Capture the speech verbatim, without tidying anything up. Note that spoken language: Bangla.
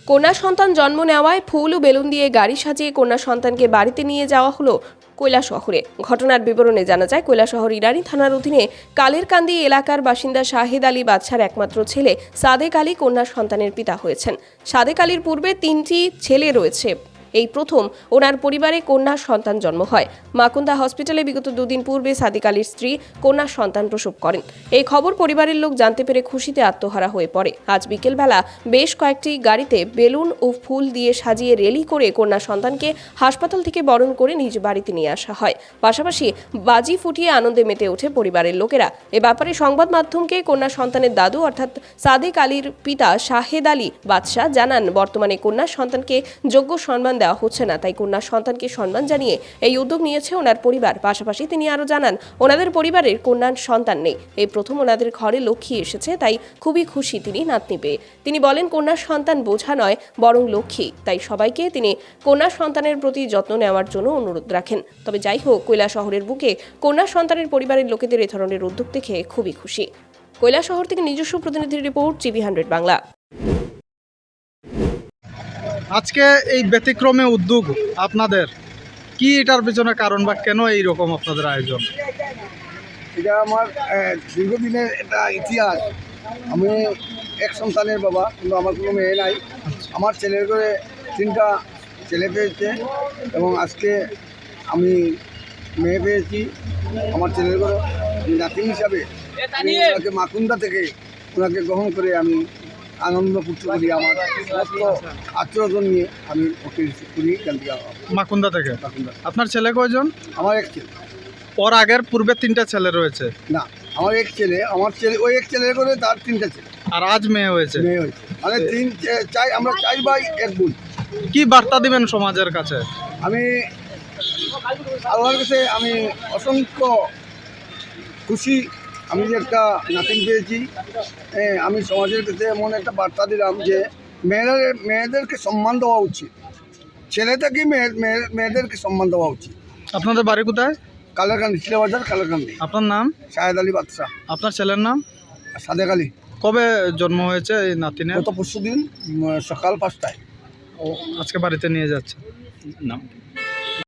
কন্যা সন্তান জন্ম নেওয়ায় ফুল ও বেলুন দিয়ে গাড়ি সাজিয়ে কন্যা সন্তানকে বাড়িতে নিয়ে যাওয়া হলো কৈলাসহরে। ঘটনার বিবরণে জানা যায়, কৈলাসহর ইরানি থানার অধীনে কালেরকান্দি এলাকার বাসিন্দা শাহেদ আলী বাদশার একমাত্র ছেলে সাদেক আলী কন্যা সন্তানের পিতা হয়েছেন। সাদেক আলীর পূর্বে তিনটি ছেলে রয়েছে। এই প্রথম ওনার পরিবারে কন্যা সন্তান জন্ম হয়। মাকুন্দা হসপিটালে বিগত দুদিন পূর্বে সাদেক আলীর স্ত্রী কন্যা সন্তান প্রসব করেন। এই খবর পরিবারের লোক জানতে পেরে খুশিতে আত্মহারা হয়ে পড়ে। আজ বিকেলবেলা বেশ কয়েকটি গাড়িতে বেলুন ও ফুল দিয়ে সাজিয়ে রেলি করে কন্যা সন্তানকে হাসপাতাল থেকে বরণ করে নিজ বাড়িতে নিয়ে আসা হয়। পাশাপাশি বাজি ফুটিয়ে আনন্দে মেতে ওঠে পরিবারের লোকেরা। এ ব্যাপারে সংবাদ মাধ্যমকে কন্যা সন্তানের দাদু অর্থাৎ সাদেক আলীর পিতা শাহেদ আলী বাদশা জানান, বর্তমানে কন্যা সন্তানকে যোগ্য সম্মান দেওয়া হচ্ছে না, তাই কন্যা সন্তানকে সম্মান জানিয়ে এই উদ্যোগ নিয়েছে ওনার পরিবার। পাশাপাশি তিনি আরো জানান, ওনাদের পরিবারের কন্যা সন্তান নেই, এই প্রথম ওনাদের ঘরে লক্ষ্মী এসেছে, তাই খুবই খুশি তিনি নাতনি পেয়ে। তিনি বলেন, কন্যা সন্তান বোঝা নয় বরং লক্ষ্মী, তাই সবাইকে তিনি কন্যা সন্তানের প্রতি যত্ন নেওয়ার জন্য অনুরোধ রাখেন। তবে যাই হোক, কৈলাসহরের বুকে কন্যা সন্তানের পরিবারের লোকেদের এ ধরনের উদ্যোগ দেখে খুবই খুশি। কৈলাসহর থেকে নিজস্ব প্রতিনিধির রিপোর্ট, টিভি হান্ড্রেড বাংলা। আজকে এই ব্যতিক্রমে উদ্যোগ আপনাদের, কি এটার পিছনে কারণ বা কেন এই রকম আপনাদের আয়োজন? এটা আমার দীর্ঘদিনের একটা ইতিহাস। আমি এক সন্তানের বাবা, কিন্তু আমার কোনো মেয়ে নাই। আমার ছেলের করে তিনটা ছেলে পেয়েছে এবং আজকে আমি মেয়ে পেয়েছি। আমার ছেলের করে নাতি হিসাবে ওনাকে মাকুন্দা থেকে ওনাকে গ্রহণ করে আমি আনন্দ করতে করি। আমার সমস্ত আত্মীয়জন নিয়ে আমি ওকে রিসিভ করি এখান থেকে। মাকুন্দা থেকে। মাকুন্দা। আপনার ছেলে কয়জন? আমার এক ছেলে। ওর আগের পূর্বে তিনটা ছেলে রয়েছে? না, আমার এক ছেলে। আমার ছেলে ওই এক ছেলের করে তার তিনটা ছেলে। আর আজ মেয়ে হয়েছে? মেয়ে হয়েছে, মানে তিন চাই, আমরা চাই ভাই এক বোন। কি বার্তা দিবেন সমাজের কাছে? আমি আল্লাহর কাছে আমি অসংখ্য খুশি, আমি যে একটা নাতিন পেয়েছি। হ্যাঁ, আমি সমাজের কাছে এমন একটা বার্তা দিলাম যে মেয়েদের মেয়েদেরকে সম্মান দেওয়া উচিত, ছেলে থেকে মেয়ে মেয়েদেরকে সম্মান দেওয়া উচিত। আপনাদের বাড়ি কোথায়? কালারকান্দি, শিলাবাজার কালারকান্দি। আপনার নাম? শাহেদ আলী বাদশা। আপনার ছেলের নাম? সাদেক আলী। কবে জন্ম হয়েছে এই নাতিনের? গত পরশু দিন সকাল পাঁচটায়। ও আজকে বাড়িতে নিয়ে যাচ্ছে। নাম?